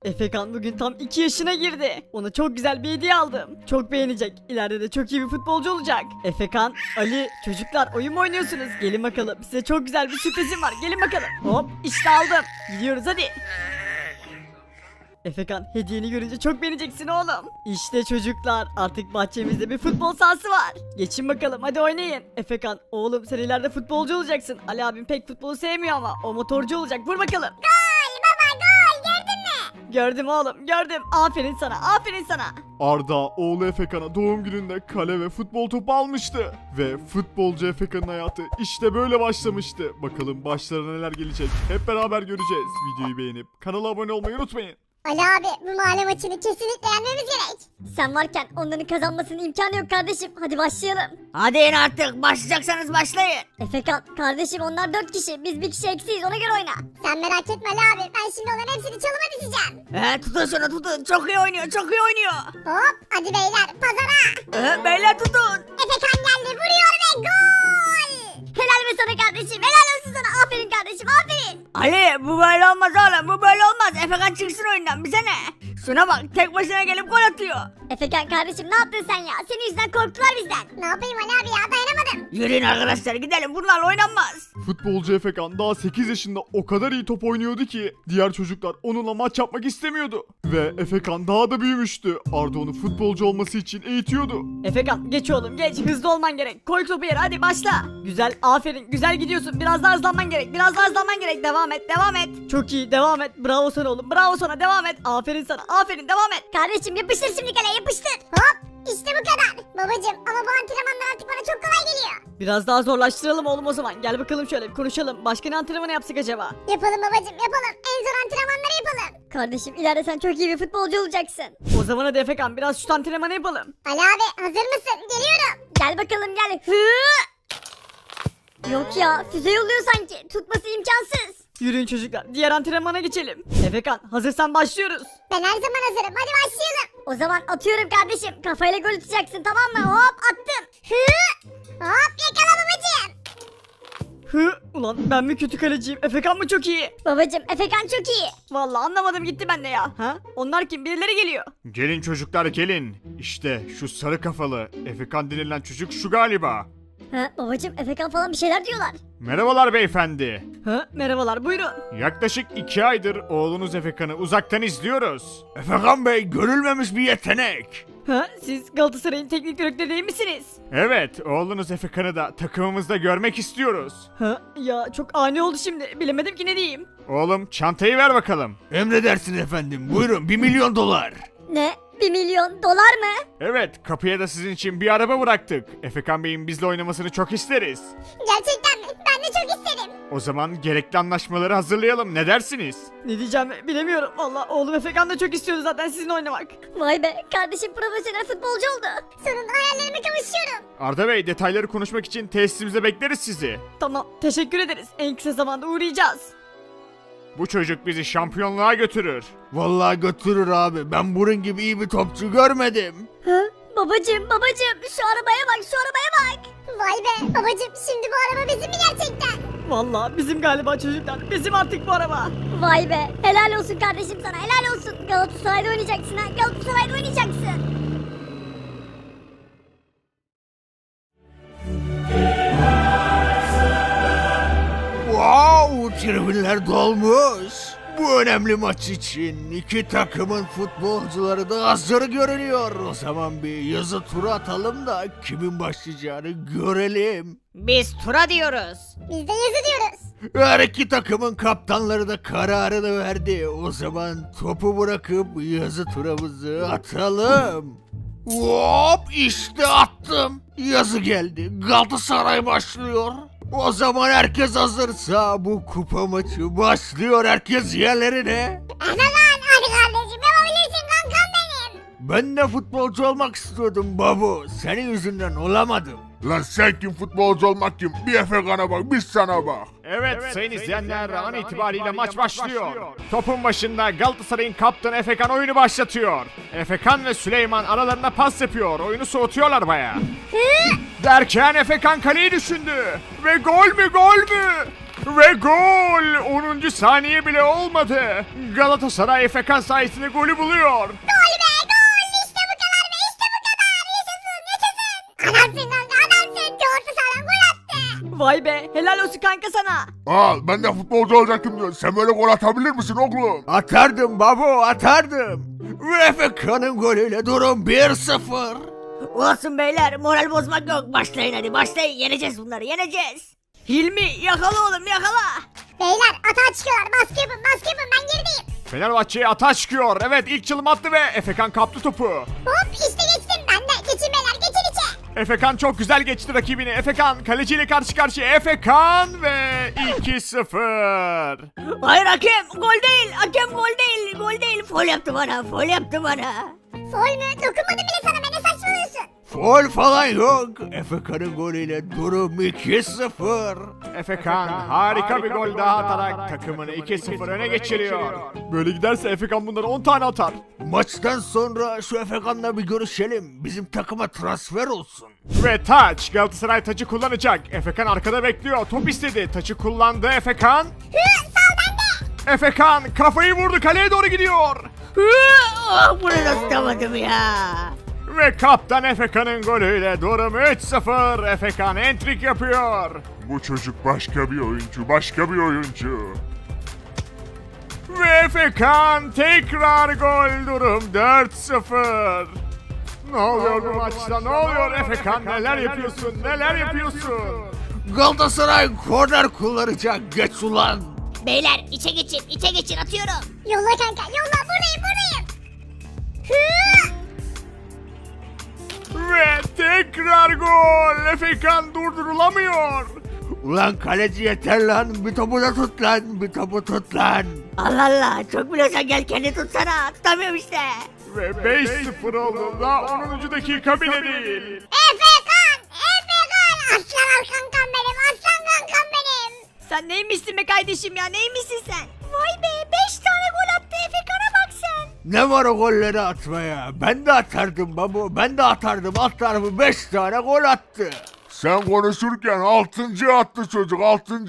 Efekan bugün tam 2 yaşına girdi. Ona çok güzel bir hediye aldım. Çok beğenecek. İleride de çok iyi bir futbolcu olacak. Efekan, Ali, çocuklar oyun mu oynuyorsunuz? Gelin bakalım. Size çok güzel bir sürprizim var. Gelin bakalım. Hop işte aldım. Gidiyoruz hadi. Efekan hediyeni görünce çok beğeneceksin oğlum. İşte çocuklar artık bahçemizde bir futbol sahası var. Geçin bakalım hadi oynayın. Efekan oğlum sen ileride futbolcu olacaksın. Ali abim pek futbolu sevmiyor ama o motorcu olacak. Vur bakalım. Gol baba gol gördün mü? Gördüm oğlum gördüm. Aferin sana aferin sana. Arda oğlu Efekan'a doğum gününde kale ve futbol topu almıştı. Ve futbolcu Efekan'ın hayatı işte böyle başlamıştı. Bakalım başlarına neler gelecek hep beraber göreceğiz. Videoyu beğenip kanala abone olmayı unutmayın. Ali abi bu mahalle maçını kesinlikle yenmemiz gerek. Sen varken onların kazanmasının imkanı yok kardeşim. Hadi başlayalım. Hadi in artık başlayacaksanız başlayın. Efekan kardeşim onlar 4 kişi. Biz bir kişi eksiyiz ona göre oyna. Sen merak etme Ali abi ben şimdi onların hepsini çalıma dizeceğim. Tutun şunu tutun çok iyi oynuyor çok iyi oynuyor. Hop hadi beyler pazara. Beyler tutun. Efekan geldi vuruyor ve gol. Helal be sana kardeşim. Helal olsun sana. Aferin kardeşim aferin. Ali bu böyle olmaz oğlum bu böyle olmaz. Efekan çıksın oyundan bize ne? Şuna bak tek başına gelip gol atıyor. Efekan kardeşim ne yaptın sen ya? Senin yüzünden korktular bizden. Ne yapayım Ali abi ya dayanamadım. Yürüyün arkadaşlar gidelim bunlarla oynanmaz. Futbolcu Efekan daha 8 yaşında o kadar iyi top oynuyordu ki diğer çocuklar onunla maç yapmak istemiyordu. Ve Efekan daha da büyümüştü. Arda onu futbolcu olması için eğitiyordu. Efekan geç oğlum geç. Hızlı olman gerek. Koy topu yere hadi başla. Güzel aferin güzel gidiyorsun. Biraz daha hızlanman gerek. Biraz daha hızlanman gerek. Devam et devam et. Çok iyi devam et. Bravo sana oğlum. Bravo sana devam et. Aferin sana. Aferin devam et. Kardeşim yapıştır şimdi kaleye yapıştır. Hop işte bu kadar. Babacım ama bu antrenmanlar artık bana çok kolay geliyor. Biraz daha zorlaştıralım oğlum o zaman. Gel bakalım şöyle bir konuşalım. Başka ne antrenmanı yapsak acaba? Yapalım babacım yapalım. En zor antrenmanları yapalım. Kardeşim ileride sen çok iyi bir futbolcu olacaksın. O zaman hadi Efekan biraz şut antrenmanı yapalım. Ali abi hazır mısın? Geliyorum. Gel bakalım gel. Yok ya füze yolluyor sanki. Tutması imkansız. Yürüyün çocuklar. Diğer antrenmana geçelim. Efekan hazırsan başlıyoruz. Ben her zaman hazırım. Hadi başlayalım. O zaman atıyorum kardeşim. Kafayla gol atacaksın tamam mı? Hop attım. Hop yakala babacım. Ulan ben mi kötü kaleciyim? Efekan mı çok iyi? Babacım Efekan çok iyi. Vallahi anlamadım gitti bende ya. Ha? Onlar kim? Birileri geliyor. Gelin çocuklar gelin. İşte şu sarı kafalı Efekan denilen çocuk şu galiba. Ha babacım Efekan falan bir şeyler diyorlar. Merhabalar beyefendi. Merhabalar buyurun. Yaklaşık 2 aydır oğlunuz Efekan'ı uzaktan izliyoruz. Efekan Bey görülmemiş bir yetenek. Siz Galatasaray'ın teknik direktörü değil misiniz? Evet oğlunuz Efekan'ı da takımımızda görmek istiyoruz. Ya çok ani oldu şimdi. Bilemedim ki ne diyeyim. Oğlum çantayı ver bakalım. Emredersiniz efendim. Buyurun 1 milyon dolar. Ne? 1 milyon dolar mı? Evet kapıya da sizin için bir araba bıraktık. Efekan Bey'in bizle oynamasını çok isteriz. Gerçekten mi? Ben de çok isterim. O zaman gerekli anlaşmaları hazırlayalım ne dersiniz? Ne diyeceğimi bilemiyorum. Vallahi oğlum Efekan da çok istiyordu zaten sizinle oynamak. Vay be kardeşim profesyonel futbolcu oldu. Sonunda hayallerime kavuşuyorum. Arda Bey detayları konuşmak için tesisimizde bekleriz sizi. Tamam teşekkür ederiz. En kısa zamanda uğrayacağız. Bu çocuk bizi şampiyonluğa götürür. Vallahi götürür abi. Ben bunun gibi iyi bir topçu görmedim. Babacım şu arabaya bak şu arabaya bak. Vay be babacım şimdi bu araba bizim mi gerçekten? Vallahi bizim galiba çocuklar. Bizim artık bu araba. Vay be helal olsun kardeşim sana helal olsun. Galatasaray'da oynayacaksın ha Galatasaray'da oynayacaksın. Wow, tribünler dolmuş. Bu önemli maç için iki takımın futbolcuları da hazır görünüyor. O zaman bir yazı turu atalım da kimin başlayacağını görelim. Biz tura diyoruz. Biz de yazı diyoruz. Her iki takımın kaptanları da kararını verdi. O zaman topu bırakıp yazı turamızı atalım. Hop işte attım. Yazı geldi. Galatasaray başlıyor. O zaman herkes hazırsa bu kupa maçı başlıyor. Herkes yerlerine. Hadi kardeşim yapabilirsin kankam benim. Ben de futbolcu olmak istiyordum babu. Senin yüzünden olamadım. Lan sen kim futbolcu olmak kim? Bir Efekan'a bak biz sana bak. Evet sayın izleyenler an itibariyle maç başlıyor. Topun başında Galatasaray'ın kaptanı Efekan oyunu başlatıyor. Efekan ve Süleyman aralarında pas yapıyor. Oyunu soğutuyorlar bayağı. Derken Efekan kaleyi düşündü. Ve gol mü gol mü? Ve gol! 10. saniye bile olmadı. Galatasaray Efekan sayesinde golü buluyor. Gol be gol. İşte bu kadar be işte bu kadar. Yaşasın yaşasın. Adamsın kanka adamsın. Orta sahadan gol attı. Vay be helal olsun kanka sana. Ben de futbolcu olacaktım diyor. Sen böyle gol atabilir misin oğlum? Atardım babo, atardım. Ve Efekan'ın golüyle durum 1-0. Olsun beyler moral bozmak yok. Başlayın hadi başlayın. Yeneceğiz bunları yeneceğiz. Hilmi yakala oğlum yakala. Beyler atağa çıkıyorlar. Baskı yapın ben gerideyim. Fenerbahçe'ye ataş çıkıyor. Evet ilk çalım attı ve Efekan kaptı topu. Hop işte geçtim ben de. Geçin beyler geçin içe. Efekan çok güzel geçti rakibini. Efekan kaleciyle karşı karşıya. Efekan ve 2-0. Hayır hakem gol değil. Hakem gol değil. Gol değil. Foul yaptı bana. Foul yaptı bana. Foul mü? Dokunmadım bile sana be ne saçmalıyorsun? Foul falan yok. Efekan'ın golüyle durum 2-0. Efekan harika bir gol daha atarak takımını 2-0 öne geçiriyor. Böyle giderse Efekan bunları 10 tane atar. Maçtan sonra şu Efekan'la bir görüşelim. Bizim takıma transfer olsun. Ve taç Galatasaray taçı kullanacak. Efekan arkada bekliyor. Top istedi. Taçı kullandı Efekan. Sağ bende. Efekan kafayı vurdu. Kaleye doğru gidiyor. Bunu da tutamadım ya. Ve kaptan Efekan'ın golüyle durum 3-0. Efekan entrik yapıyor. Bu çocuk başka bir oyuncu. Ve Efekan tekrar gol durum 4-0. Ne oluyor bu maçta? Ne oluyor Efekan? Neler yapıyorsun? Neler yapıyorsun? Galatasaray korner kullanacak. Geç ulan. Beyler içe geçin atıyorum. Yolla kanka yolla buradayım. Hı. Ve tekrar gol. Efekan durdurulamıyor. Ulan kaleci yeter lan. Bir topu da tut lan. Bir topu tut lan. Allah Allah çok biliyorsan gel kendi tutsana. Tutamıyorum işte. Ve 5-0 oldu. Daha 10. dakika bile değil. Efekan. Aslan kankam benim. Sen neymişsin be kardeşim ya neymişsin sen? Vay be 5 tane gol attı Efekan'a bak sen. Ne var o golleri atmaya? Ben de atardım babo. Ben de atardım. Alt tarafı 5 tane gol attı. Sen konuşurken 6. attı çocuk 6.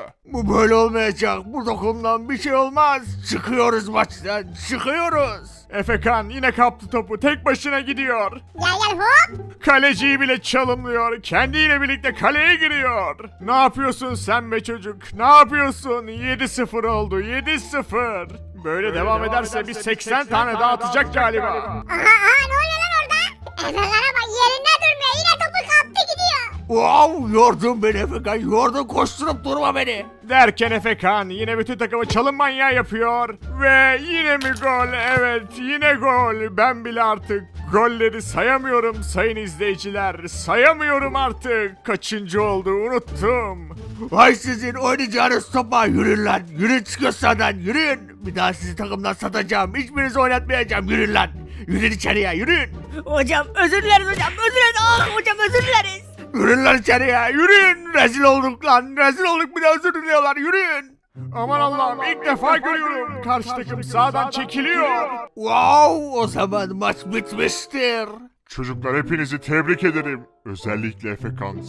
Bu böyle olmayacak. Bu takımdan bir şey olmaz. Çıkıyoruz maçtan. Çıkıyoruz. Efekan yine kaptı topu. Tek başına gidiyor. Gel hop. Kaleciyi bile çalımlıyor. Kendiyle birlikte kaleye giriyor. Ne yapıyorsun sen be çocuk? Ne yapıyorsun? 7-0 oldu. 7-0. Böyle devam ederse bir 80 tane daha atacak galiba. Aha ne oluyor lan orada? Efekan'a bak yerinde durmuyor. Yine topu kaptı gidiyor. Wow, yordun beni Efekan. Yordun, koşturup durma beni. Derken Efekan yine bütün takımı çalım manyağı yapıyor. Ve yine mi gol? Evet yine gol. Ben bile artık golleri sayamıyorum sayın izleyiciler. Sayamıyorum artık. Kaçıncı oldu unuttum. Vay sizin oynayacağınız topa, yürüyün lan. Yürüyün, çıkın sahadan, yürüyün. Bir daha sizi takımdan satacağım. Hiçbirinizi oynatmayacağım. Yürüyün lan. Yürüyün içeriye, yürüyün. Hocam özür dileriz hocam. Özür dileriz. Hocam özür dileriz. Yürüyün lan içeriye, yürüyün. Rezil olduk lan. Rezil olduk, bir de özür diliyorlar. Yürüyün. Aman Allah'ım ilk defa görüyorum. Karşı takım sağdan çekiliyor. Wow, o zaman maç bitmiştir. Çocuklar hepinizi tebrik ederim. Özellikle Efekan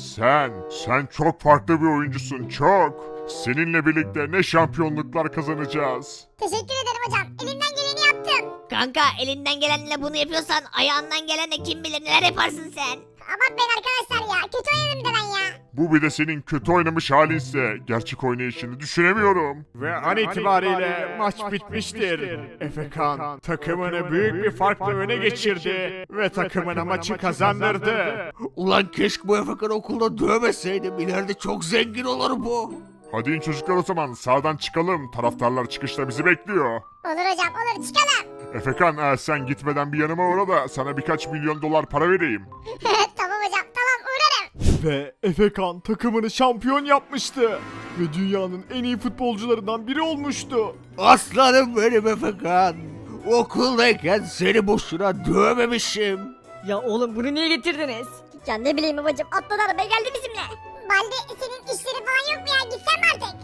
sen çok farklı bir oyuncusun çok. Seninle birlikte ne şampiyonluklar kazanacağız. Teşekkür ederim hocam. Elimden geleni yaptım. Kanka elinden gelenle bunu yapıyorsan ayağından gelenle kim bilir neler yaparsın sen. Abartmayın arkadaşlar ya. Kötü oynadım da ben ya. Bu bir de senin kötü oynamış halinse gerçek oynayışını düşünemiyorum. Ve an itibariyle maç bitmiştir. Efekan takımını büyük bir farkla öne geçirdi ve takımına maçı kazandırdı. Ulan keşke bu Efekan'ı okulda dövmeseydim. İleride çok zengin olur bu. Hadi in çocuklar o zaman sağdan çıkalım. Taraftarlar çıkışta bizi bekliyor. Olur hocam olur çıkalım. Efekan sen gitmeden bir yanıma uğra da sana birkaç milyon dolar para vereyim. Tamam hocam tamam uğrarım. Ve Efekan takımını şampiyon yapmıştı. Ve dünyanın en iyi futbolcularından biri olmuştu. Aslanım benim Efekan. Okuldayken seni boşuna dövmemişim. Ya oğlum bunu niye getirdiniz? Ya ne bileyim babacım atladı arabaya geldi bizimle. Baldi senin işleri falan yok mu ya gitsen mi artık?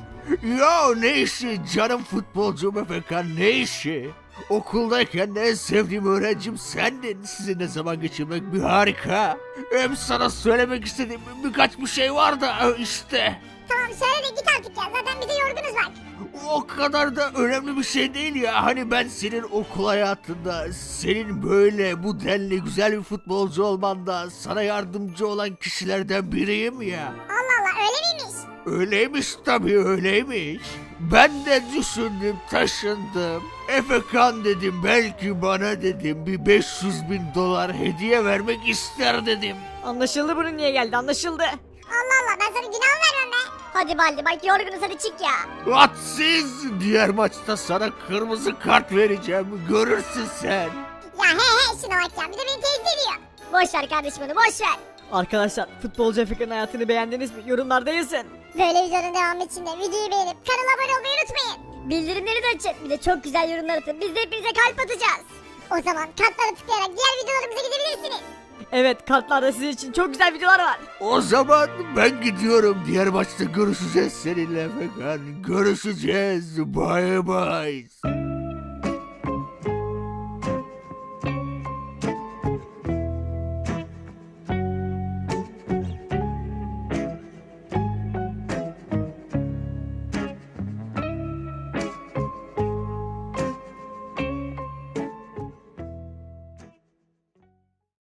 Ya ne işi canım futbolcum Efekan, ne işi? Okuldayken en sevdiğim öğrencim sendin. Sizinle zaman geçirmek bir harika. Hem sana söylemek istediğim birkaç bir şey var da işte. Tamam söyle de git artık ya. Zaten bize yorgunuz bak. O kadar da önemli bir şey değil ya. Hani ben senin okul hayatında, senin böyle bu denli güzel bir futbolcu olmanda sana yardımcı olan kişilerden biriyim ya. Allah Allah öyle miymiş? Öyleymiş tabii öyleymiş. Ben de düşündüm taşındım. Efekan dedim belki bana dedim bir 500.000 dolar hediye vermek ister dedim. Anlaşıldı bunun niye geldi anlaşıldı. Allah Allah ben sana günah mı vermem be? Hadi Baldi bak yorgunuz hadi çık ya. Atsiz diğer maçta sana kırmızı kart vereceğim görürsün sen. Ya he şuna bak ya. Bir de beni tehdit ediyor. Boş ver kardeşim onu boş ver. Arkadaşlar futbolcu Efekan'ın hayatını beğendiniz mi? Yorumlarda yazın. Böyle videonun devamı için de videoyu beğenip kanala abone olmayı unutmayın. Bildirimleri de açın. Bir de çok güzel yorumlar atın. Biz de hepinize kalp atacağız. O zaman kartlara tıklayarak diğer videolarımıza gidebilirsiniz. Evet kartlarda sizin için çok güzel videolar var. O zaman ben gidiyorum. Diğer maçta görüşeceğiz seninle Efekan. Görüşeceğiz. Bye bye.